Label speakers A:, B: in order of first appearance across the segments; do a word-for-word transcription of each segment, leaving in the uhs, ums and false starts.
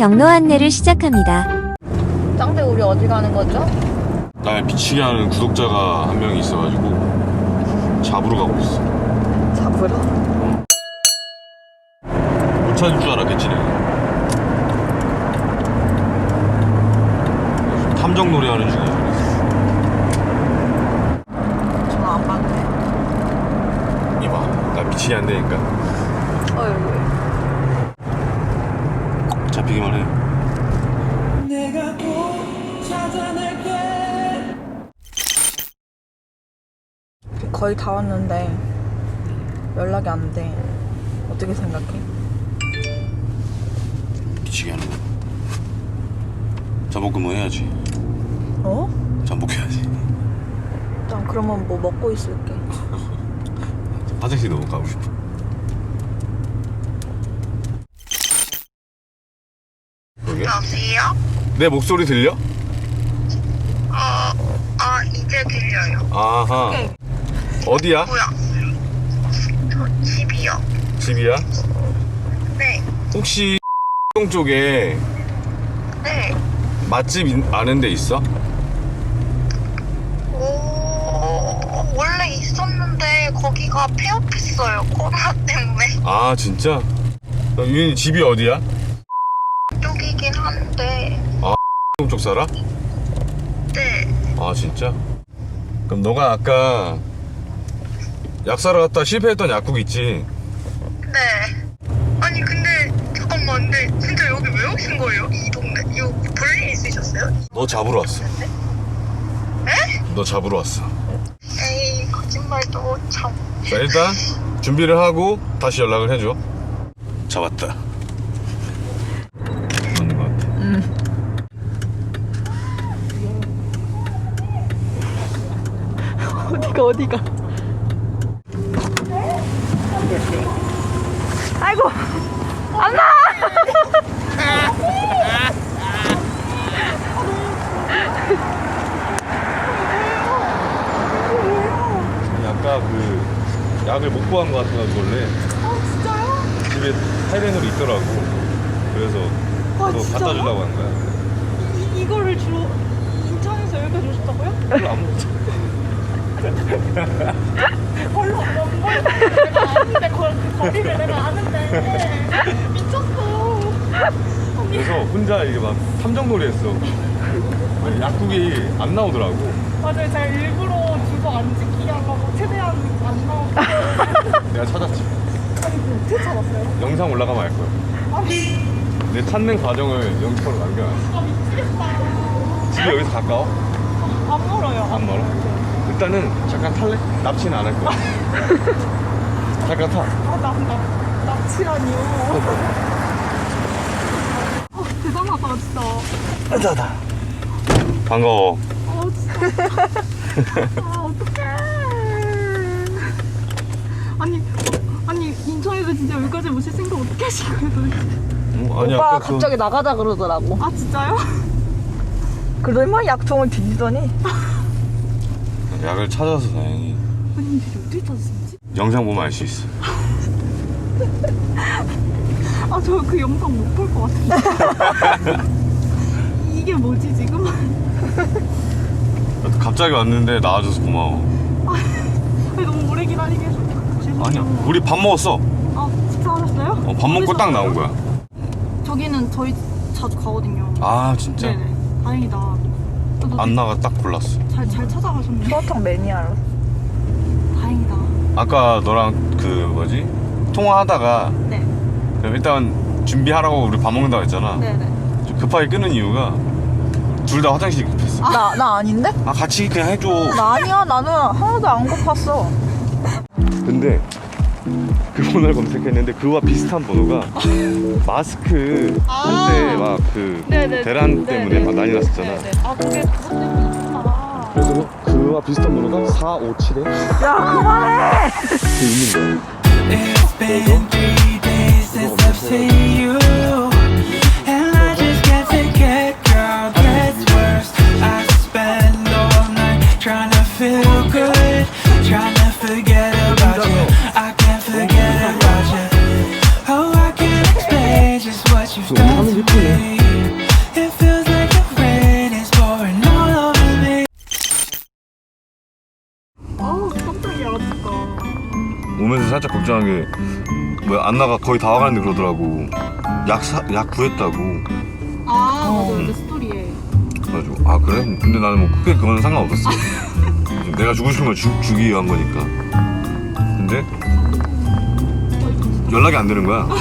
A: 경로 안내를 시작합니다.
B: 짱대 우리 어디 가는 거죠?
C: 날 미치게 하는 구독자가 한 명이 있어가지고 잡으러 가고 있어.
B: 잡으러?
C: 못 찾을 줄 알았겠지 내가. 탐정 놀이 하는 중이야.
B: 전화 안 받네.
C: 이봐, 나 미치게 안 되니까
B: 어휴.
C: 잡히기만 해.
D: 내가 꼭 찾아낼게.
B: 거의 다 왔는데 연락이 안 돼. 어떻게 생각해?
C: 미치게 하는 거. 잠복근무 해야지.
B: 어?
C: 잠복해야지.
B: 난 그러면 뭐 먹고 있을게.
C: 화장실 너무 가고 싶어. 여기?
E: 여보세요?
C: 내 목소리 들려?
E: 어, 아, 이제 들려요.
C: 아하.
B: 오케이.
C: 어디야?
E: 뭐야? 저 집이요.
C: 집이야?
E: 네,
C: 혹시 동 쪽에
E: 네.
C: 맛집 인- 아는 데 있어?
E: 오, 원래 있었는데 거기가 폐업했어요. 코로나 때문에.
C: 아 진짜? 어, 유인이 집이 어디야?
E: 쪽이긴 한데.
C: 동 쪽 살아?
E: 네.
C: 아 진짜? 그럼 너가 아까 약 사러 갔다 실패했던 약국 있지?
E: 네. 아니, 근데, 잠깐만. 근데 진짜 여기 왜 오신 거예요? 이 동네? 이거 볼일 있으셨어요?
C: 너 잡으러 왔어.
E: 에?
C: 너 잡으러 왔어.
E: 에이, 거짓말도 참.
C: 자 일단 준비를 하고 다시 연락을 해줘. 잡았다. 맞는 것 같아.
B: 어디가 어디가? 아이고 안 나!
C: 아까 그 약을 못 구한 것 같아가지고 원래.
B: 아 진짜요?
C: 집에 타이레놀이 있더라고. 그래서
B: 아,
C: 또
B: 진짜요?
C: 갖다 주려고 한 거야.
B: 이, 이거를 주로 인천에서 여기까지 오셨다고요?
C: 별로 안 먹자.
B: 별로 안 먹는 거야. 내가 아는데 거, 그 거리를 내가 아는데 미쳤어.
C: 그래서 혼자 이게 막 탐정놀이 했어. 약국이 안 나오더라고.
B: 맞아요. 제가 일부러 주소 안 지키게 하려고 최대한 안 나오고.
C: 내가 찾았지.
B: 아니 그 어떻게 찾았어요?
C: 영상 올라가면 알 거야.
B: 아니
C: 내 찾는 과정을 영상으로 남겨놨어.
B: 아 미치겠다.
C: 집이 여기서 가까워?
B: 안 멀어요.
C: 안 멀어? 일단은 잠깐 탈래? 납치는 안 할 거야. 잠깐 타.
B: 아나 나 납치라니요. 어 대단하다 진짜.
C: 짜다. 반가워.
B: 아 진짜. 아 어떡해. 아니 아니 인천에서 진짜 여기까지 오실 생각 어떻게 하신 거예요 도대체?
C: 어, 아니,
F: 오빠가
C: 아까 그-
F: 갑자기 나가자 그러더라고.
B: 아 진짜요?
F: 그러더니 약통을 뒤지더니
C: 약을 찾아서 다행히.
B: 아니 근데 어떻게 찾으셨지?
C: 영상 보면 알 수 있어.
B: 아 저 그 영상 못 볼 것 같은데. 이게 뭐지 지금?
C: 갑자기 왔는데 나와줘서 고마워.
B: 아니, 너무 오래 기다리게 해서 죄송해요.
C: 아니야. 우리 밥 먹었어.
B: 아 식사하셨어요?
C: 어, 밥 먹고 딱 나온 거야.
B: 저기는 저희 자주 가거든요.
C: 아 진짜?
B: 네네. 다행이다.
C: 안 나가 딱 골랐어.
B: 잘, 잘 찾아가셨네.
F: 소화통 매니아로.
B: 다행이다.
C: 아까 너랑 그 뭐지? 통화하다가
B: 네.
C: 그럼 일단 준비하라고 우리 밥 먹는다고 했잖아.
B: 네네.
C: 좀 급하게 끊은 이유가 둘 다 화장실이 급했어.
F: 나, 나 아닌데?
C: 아 같이 그냥 해줘.
F: 나 아니야. 나는 하나도 안 고팠어.
C: 근데 그 번호를 검색했는데 그와 비슷한 번호가 마스크 한때 막 그
B: 네네.
C: 대란 때문에
B: 네네.
C: 막 난리 났었잖아.
B: 네네. 아 그게 그것 때문이구나.
C: 그래서 그와 비슷한 번호가 사오칠에
F: 야, 그만해!
C: 그 있는 거야.
D: It's been three days since I've seen you, and I just can't forget, girl. Gets worse. I spend all night trying to feel good, trying to forget about you. I can't forget about you. Oh, I can't explain just what you've done to me.
C: 뭐야 안나가 거의 다 와가는데 그러더라고. 약 사, 약 구했다고.
B: 아
F: 어.
B: 맞아 내 스토리에.
C: 그래가지고 아 그래? 근데 나는 뭐 크게 그거는 상관없었어. 내가 주고 싶은 걸 주, 주기 위한 거니까. 근데 연락이 안 되는 거야.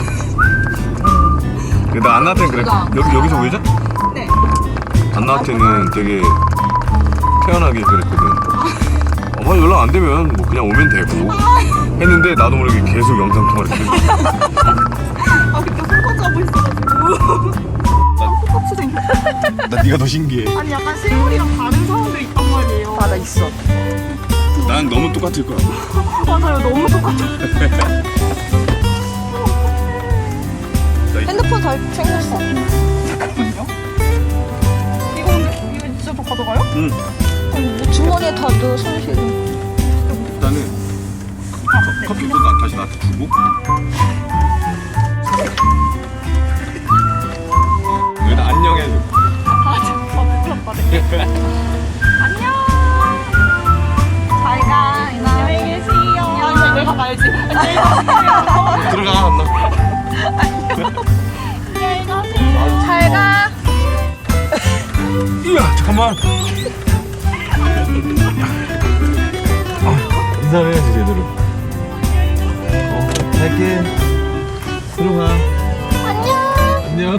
C: 근데 나 안나한테는 그래. 여기 여기서 보이자?
B: 네.
C: 안나한테는 되게 태연하게 그랬거든. 어, 연락 안 되면 뭐 그냥 오면 되고 했는데 나도 모르게 계속 영상 통화를 계속.
B: 아 그때 설거지 하고 있어가지고. 똑같이 생겼어.
C: 나 네가 더 신기해.
B: 아니 약간 실물이랑 다른 사람들 있단 말이에요.
F: 맞아 있어.
C: 난 너무 똑같을 거야.
B: 맞아요 너무 똑같아.
F: 핸드폰 잘 챙겼어.
B: 잠깐만요. 이거 근데 이거 진짜 저 가져가요?
C: 응.
F: 주머니에 다 넣어 손실이.
C: 일단은 커- 커피도 나 다시 나한테 주고. 여기다 안녕 해줘.
B: 아 진짜 부끄럽다. 네. 안녕.
F: 잘가 이나.
B: 안녕히 계세요. 아니 내가 가야지. 안녕히 가세요.
C: 들어가 안나.
B: 안녕히 가세요.
F: 잘가.
C: 이야 잠깐만. 아, 인사를 해야지 제대로. 어 갈게. 들어가. 안녕. 안녕.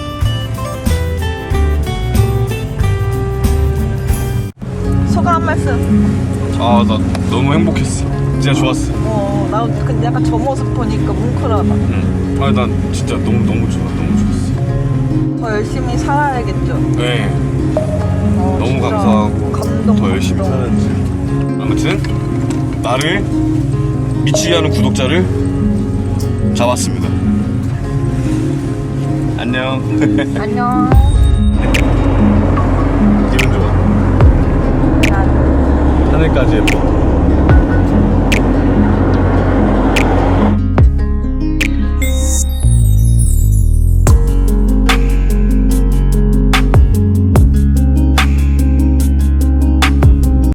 F: 소감 한 말씀.
C: 아 나 너무 행복했어. 진짜 좋았어.
F: 어, 나 근데 약간 저 모습 보니까 뭉클하다.
C: 응. 아니 난 진짜 너무 너무 좋아. 너무 좋았어.
F: 더 열심히 살아야겠죠.
C: 네.
F: 어,
C: 너무
F: 진짜
C: 감사하고
F: 감동.
C: 더 열심히
F: 감동.
C: 살아야지. 아무튼 나를 미치게 하는 구독자를 잡았습니다. 안녕.
F: 안녕.
C: 기분 좋아.
F: 난
C: 하늘까지 예뻐.